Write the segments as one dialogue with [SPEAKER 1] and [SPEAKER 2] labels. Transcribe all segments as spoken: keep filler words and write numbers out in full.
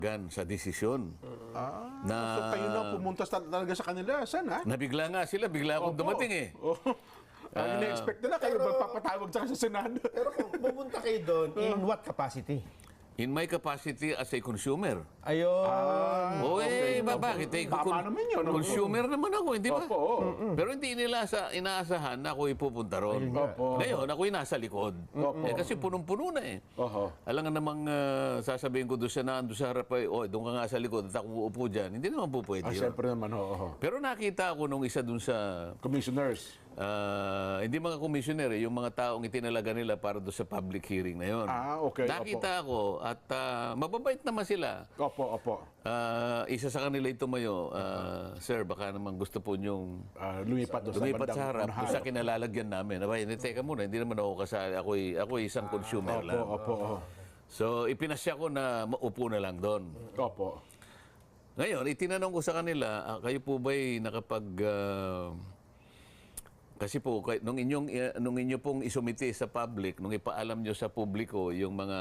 [SPEAKER 1] gan sa desisyon.
[SPEAKER 2] Ah,
[SPEAKER 1] Na-
[SPEAKER 2] so kayo na pumunta sa- talaga sa kanila. Saan, ha?
[SPEAKER 1] Nabigla nga sila, bigla akong
[SPEAKER 2] Opo.
[SPEAKER 1] dumating eh.
[SPEAKER 2] Oh. Ang ina-expect nila kayo
[SPEAKER 3] pero-
[SPEAKER 2] magpapatawag sa sa Senado.
[SPEAKER 3] Pero kung pumunta kayo doon, in what capacity?
[SPEAKER 1] In my capacity as a consumer.
[SPEAKER 3] Ayun.
[SPEAKER 1] O eh, ba, bakit? Eh,
[SPEAKER 2] Tama
[SPEAKER 1] kun-
[SPEAKER 2] naman yun.
[SPEAKER 1] Consumer naman ako, hindi ba?
[SPEAKER 2] Opo, oo.
[SPEAKER 1] Pero hindi nila sa inaasahan na ako ipupunta ron.
[SPEAKER 2] Opo.
[SPEAKER 1] Ngayon, ako'y nasa likod.
[SPEAKER 2] Opo.
[SPEAKER 1] Eh, kasi punong-puno na eh.
[SPEAKER 2] Oho.
[SPEAKER 1] Alam nga namang ah, sasabihin ko doon sa nando sa harap ay, oh, doon ka nga sa likod at ako uupo dyan. Hindi naman po pwede
[SPEAKER 2] Ah,
[SPEAKER 1] yun.
[SPEAKER 2] siyempre naman, oo. oo.
[SPEAKER 1] Pero nakita ako nung isa doon sa,
[SPEAKER 2] Commissioners.
[SPEAKER 1] ah, hindi mga commissioner, eh, yung mga taong itinalaga nila para doon sa public hearing na yun.
[SPEAKER 2] Ah, okay,
[SPEAKER 1] Nakita ako at ah, mababait naman sila.
[SPEAKER 2] Opo, opo.
[SPEAKER 1] Ah, isa sa kanila ito mayo, ah, sir, baka naman gusto po niyong
[SPEAKER 2] Ah, lumipat doon sa
[SPEAKER 1] lumipat
[SPEAKER 2] bandang
[SPEAKER 1] sa harap
[SPEAKER 2] unahan.
[SPEAKER 1] doon sa kinalalagyan namin. Aba, hindi, teka muna, hindi naman ako kasali. Ako'y, ako'y isang consumer
[SPEAKER 2] Opo,
[SPEAKER 1] lang.
[SPEAKER 2] opo, opo.
[SPEAKER 1] So, ipinasya ko na maupo na lang doon.
[SPEAKER 2] Opo.
[SPEAKER 1] Ngayon, itinanong ko sa kanila, ah, kayo po ba'y nakapag... ah, kasi po, kay- nung inyong, eh, nung inyo pong isumite sa public, nung ipaalam nyo sa publiko yung mga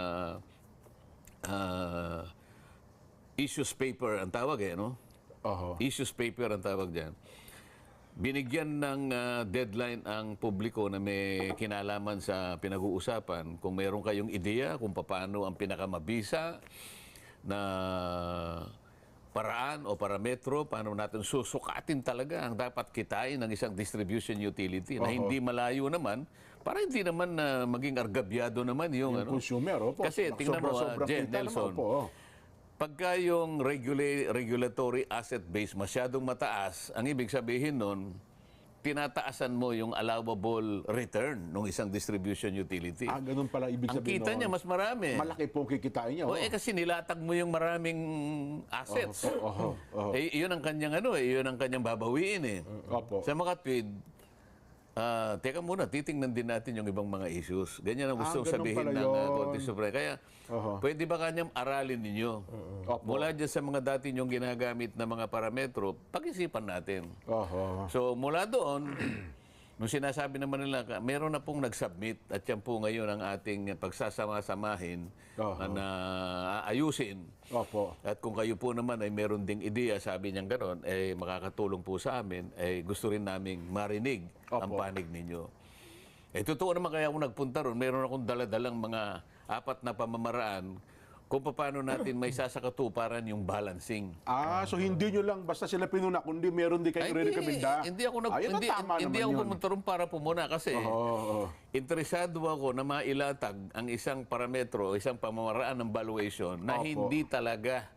[SPEAKER 1] ah, issues paper, ang tawag eh, no?
[SPEAKER 2] Oho.
[SPEAKER 1] Issues paper ang tawag dyan. Binigyan ng ah, deadline ang publiko na may kinalaman sa pinag-uusapan. Kung meron kayong ideya kung paano ang pinakamabisa na paraan o parametro, paano natin susukatin talaga ang dapat kitain ng isang distribution utility na hindi malayo naman, para hindi naman na maging argabyado naman yung, ano.
[SPEAKER 2] Consumer, opo.
[SPEAKER 1] Kasi tingnan mo, ah,
[SPEAKER 2] Sobra-sobrang
[SPEAKER 1] Jen,
[SPEAKER 2] kita naman,
[SPEAKER 1] Nelson,
[SPEAKER 2] opo, oh.
[SPEAKER 1] pagka yung regula- regulatory asset base masyadong mataas, ang ibig sabihin nun, tinataasan mo yung allowable return ng isang distribution utility.
[SPEAKER 2] Ah, ganun pala ibig
[SPEAKER 1] ang
[SPEAKER 2] sabihin
[SPEAKER 1] kita
[SPEAKER 2] noon.
[SPEAKER 1] niya mas marami.
[SPEAKER 2] Malaki po ang kikitain niya.
[SPEAKER 1] O
[SPEAKER 2] oh.
[SPEAKER 1] eh kasi nilatag mo yung maraming assets.
[SPEAKER 2] Oho, oho.
[SPEAKER 1] Eh, yun ang kanyang ano eh, yun ang kanyang babawiin eh.
[SPEAKER 2] Opo.
[SPEAKER 1] Sa mga tweet, ah, teka muna, titingnan din natin yung ibang mga issues. Ganyan ang gusto
[SPEAKER 2] Ah, ganun
[SPEAKER 1] sabihin
[SPEAKER 2] pala
[SPEAKER 1] ng
[SPEAKER 2] yun.
[SPEAKER 1] uh, Korte Suprema. Kaya,
[SPEAKER 2] Oho.
[SPEAKER 1] pwede ba kanyang aralin ninyo?
[SPEAKER 2] Opo.
[SPEAKER 1] Mula dyan sa mga dati nyong ginagamit na mga parametro, pag-isipan natin.
[SPEAKER 2] Oho.
[SPEAKER 1] So, mula doon, nung sinasabi naman nila, ka- meron na pong nag-submit at yan po ngayon ang ating pagsasama-samahin
[SPEAKER 2] Oho.
[SPEAKER 1] na aayusin.
[SPEAKER 2] Opo.
[SPEAKER 1] At kung kayo po naman ay meron ding ideya, sabi niyang gano'n, eh makakatulong po sa amin, eh gusto rin naming marinig ang
[SPEAKER 2] Opo.
[SPEAKER 1] panig ninyo. Eh totoo naman kaya ako nagpunta ron, meron akong daladalang mga apat na pamamaraan kung paano natin may sasakatuparan yung balancing.
[SPEAKER 2] Ah, so hindi nyo lang basta sila pinuna, kundi meron din kayo
[SPEAKER 1] Ay,
[SPEAKER 2] re-recommenda.
[SPEAKER 1] hindi ako nag,
[SPEAKER 2] Ayun ang
[SPEAKER 1] hindi,
[SPEAKER 2] tama
[SPEAKER 1] hindi
[SPEAKER 2] naman
[SPEAKER 1] ako
[SPEAKER 2] yun.
[SPEAKER 1] pumunta ron para pumuna kasi
[SPEAKER 2] Oo, oo.
[SPEAKER 1] interesado ako na mailatag ang isang parametro, isang pamamaraan ng valuation na
[SPEAKER 2] Opo.
[SPEAKER 1] hindi talaga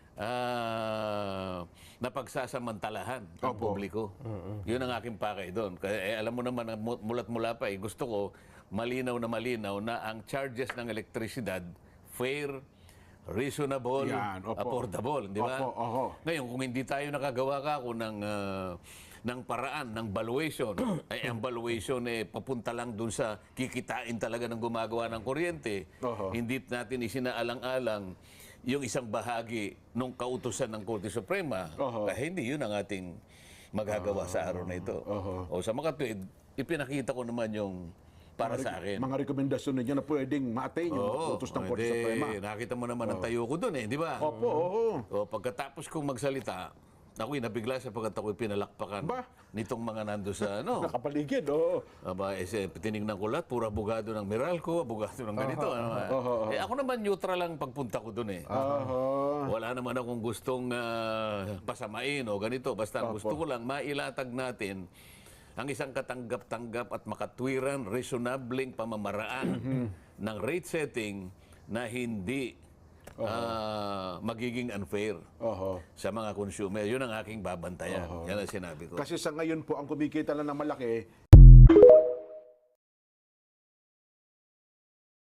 [SPEAKER 1] ah, napagsasamantalahan ng
[SPEAKER 2] Opo.
[SPEAKER 1] publiko. Yun ang aking pakay doon. Kaya eh, alam mo naman, mu- mulat mula pa, eh, gusto ko malinaw na malinaw na ang charges ng elektrisidad fair, reasonable,
[SPEAKER 2] Yan, opo.
[SPEAKER 1] affordable, di ba?
[SPEAKER 2] Opo, oho.
[SPEAKER 1] Ngayon, kung hindi tayo nakagawa ka ako ng, ah, ng paraan, ng valuation, ay ang valuation eh, papunta lang dun sa kikitain talaga ng gumagawa ng kuryente.
[SPEAKER 2] Oho.
[SPEAKER 1] Hindi natin isinaalang-alang yung isang bahagi ng kautusan ng Korte Suprema.
[SPEAKER 2] Oho.
[SPEAKER 1] Kaya hindi yun ang ating magagawa sa araw na ito.
[SPEAKER 2] Oho.
[SPEAKER 1] O sa mga tweet, ipinakita ko naman yung para sa akin.
[SPEAKER 2] Mga rekomendasyon ninyo na pwedeng ma-attain yung
[SPEAKER 1] Oo,
[SPEAKER 2] utos ng Korte
[SPEAKER 1] hindi,
[SPEAKER 2] Suprema.
[SPEAKER 1] nakita mo naman ang tayo ko dun eh, di ba?
[SPEAKER 2] Opo, oo.
[SPEAKER 1] O pagkatapos kong magsalita, ako'y nabigla sapagkat ako'y pinalakpakan
[SPEAKER 2] Ba?
[SPEAKER 1] nitong mga nando sa ano.
[SPEAKER 2] Nakapaligid, oo.
[SPEAKER 1] Aba, eh, si- tinignan ko lahat, puro abogado ng Meralco, abogado ng ganito. ano,
[SPEAKER 2] oho, oho.
[SPEAKER 1] Eh, ako naman neutral lang pagpunta ko doon eh.
[SPEAKER 2] Oho.
[SPEAKER 1] Wala naman akong gustong ah, pasamain o ganito. Basta ang gusto ko lang, mailatag natin ang isang katanggap-tanggap at makatwiran, reasonableng pamamaraan ng rate setting na hindi ah, magiging unfair
[SPEAKER 2] Oho.
[SPEAKER 1] sa mga consumer. Yun ang aking babantayan. Yan ang sinabi ko.
[SPEAKER 2] Kasi sa ngayon po, ang kumikita lang ng malaki,